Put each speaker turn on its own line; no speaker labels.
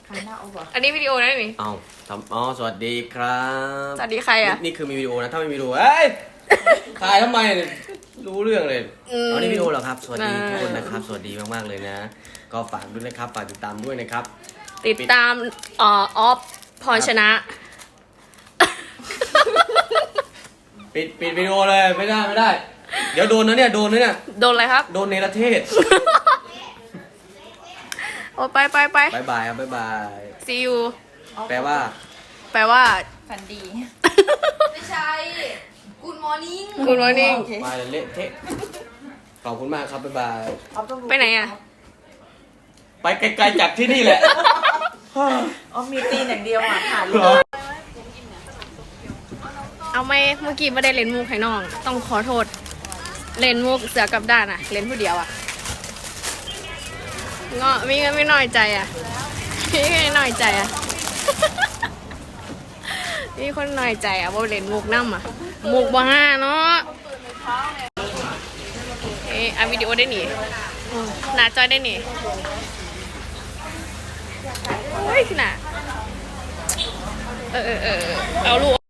หันหน้าออกก่อน
อันนี้วิดีโอนะนี่
เอาสวัสดีครับ
สวัสดีใครอ่ะ
นี่คือมีวิดีโอนะ ถ้าไม่มีวิดีโอเอ้ย ถ่ายทำไมเนี่ยรู้เรื่องเลยเอานี่วิดีโอเหรอครับ สวัสดีทุกคนนะครับ สวัสดีมากๆเลยนะ ก็ฝากด้วยนะครับ ฝากติดตามด้วยนะครับ
ติดตามออฟพรชนะ
ปิดวิดีโอเลย ไม่ได้ เดี๋ยวโดนนะเนี่ย โดนนะเนี่ย
โดนอะไรครับ
โดนเนรเทศ
โอ้ไป
บายบายครับบายบาย
see you
แปลว่า
แปลว่า
ฝันดี
ไม่ใช่ Good morning
Good morning
โอเค
ไปเละเทะ ขอบคุณมากครับ บ๊ายบาย
ออฟต้องรู้
ไปไหนอ่ะ
ไปไกลๆจากที่นี่แหละ
ออฟมีตีนอย่างเดียวอ่ะถ่ายรู
เหรอ
ป
เอาไหมเมื่อกี้ไม่ได้เล่นมุกให้น้อง ต้องขอโทษ เล่นมุกเสือกับด้านอ่ะ เล่นผู้เดียวอ่ะเงาะไม่น้อยใจอ่ะไม่น้อยใจอ่ะ มีคนน้อยใจอ่ะว่าเล่นมุกน้ำอ่ะมุกบ้าเนาะเอาวิดีโอได้หนิหน้าจอยได้หนิเฮ้ยน่ะเอาลูก